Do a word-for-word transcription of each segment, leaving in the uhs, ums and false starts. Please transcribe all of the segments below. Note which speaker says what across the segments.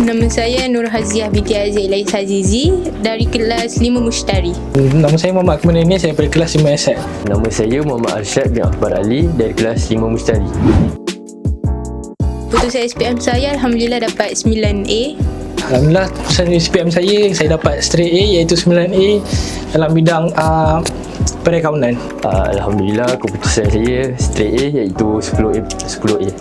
Speaker 1: Nama saya Nur Haziah binti Aziz Lais Azizi dari kelas lima Mushtari.
Speaker 2: Nama saya Muhammad Akmal ini, saya dari kelas lima S S.
Speaker 3: Nama saya Muhammad Arsyad bin Akbar Ali dari kelas lima Mushtari.
Speaker 1: Putusan S P M saya Alhamdulillah dapat sembilan A.
Speaker 2: Alhamdulillah, putusan S P M saya, saya dapat straight A iaitu sembilan A dalam bidang uh, perakaunan.
Speaker 3: Uh, Alhamdulillah, keputusan saya straight A iaitu sepuluh A. sepuluh A.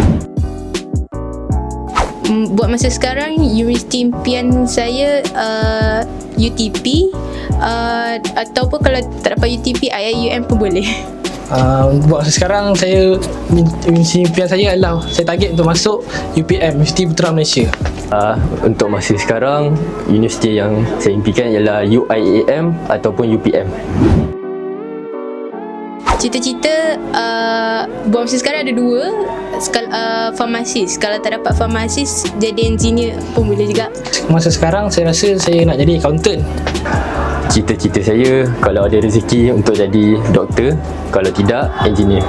Speaker 1: Buat masa sekarang, universiti impian saya uh, U T P uh, ataupun kalau tak dapat U T P I I U M pun boleh.
Speaker 2: Uh, buat masa sekarang, saya universiti impian saya adalah saya target untuk masuk U P M, Universiti Putra Malaysia.
Speaker 3: Uh, untuk masa sekarang, universiti yang saya impikan ialah U I A M ataupun U P M.
Speaker 1: Cita-cita uh, buat masa sekarang ada dua. Sekal, uh, farmasis. Kalau tak dapat farmasis, jadi engineer pun boleh juga.
Speaker 2: Masa sekarang saya rasa saya nak jadi accountant.
Speaker 3: Cita-cita saya kalau ada rezeki untuk jadi doktor, kalau tidak, engineer.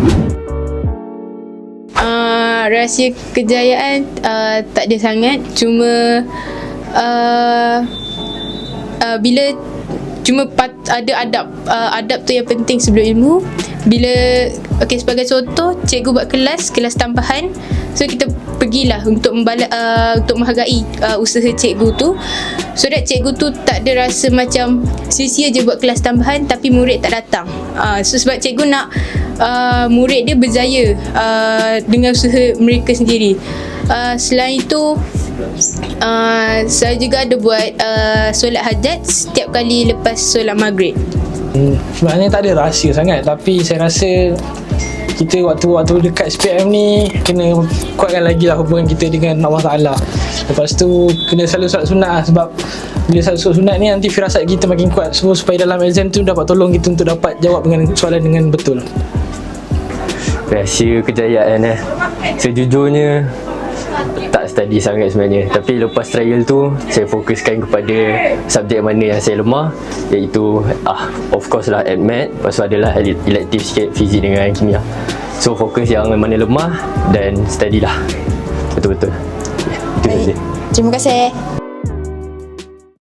Speaker 1: Uh, rahsia kejayaan uh, tak ada sangat. Cuma uh, uh, bila cuma pat, ada adab uh, adab tu yang penting sebelum ilmu. Bila okey, sebagai contoh, cikgu buat kelas kelas tambahan, so kita pergilah untuk membala, uh, untuk menghargai uh, usaha cikgu tu, so that cikgu tu tak ada rasa macam sia-sia je buat kelas tambahan tapi murid tak datang. Uh, so sebab cikgu nak uh, murid dia berjaya uh, dengan usaha mereka sendiri. Uh, selain itu, Uh, saya juga ada buat uh, solat hajat setiap kali lepas solat maghrib.
Speaker 2: Hmm, sebenarnya tak ada rahsia sangat, tapi saya rasa kita waktu-waktu dekat S P M ni kena kuatkan lagi lah hubungan kita dengan Allah Ta'ala. Lepas tu kena selalu solat sunat lah, sebab bila selalu solat sunat ni nanti firasat kita makin kuat, so, supaya dalam exam tu dapat tolong kita untuk dapat jawab dengan soalan dengan betul.
Speaker 3: Rahsia kejayaan eh, sejujurnya tak study sangat sebenarnya, tapi lepas trial tu saya fokuskan kepada subjek mana yang saya lemah, iaitu ah of course lah admat, lepas tu adalah elektif sikit fizik dengan kimia. So fokus yang mana lemah dan study lah betul-betul. Itu saja.
Speaker 1: Terima kasih.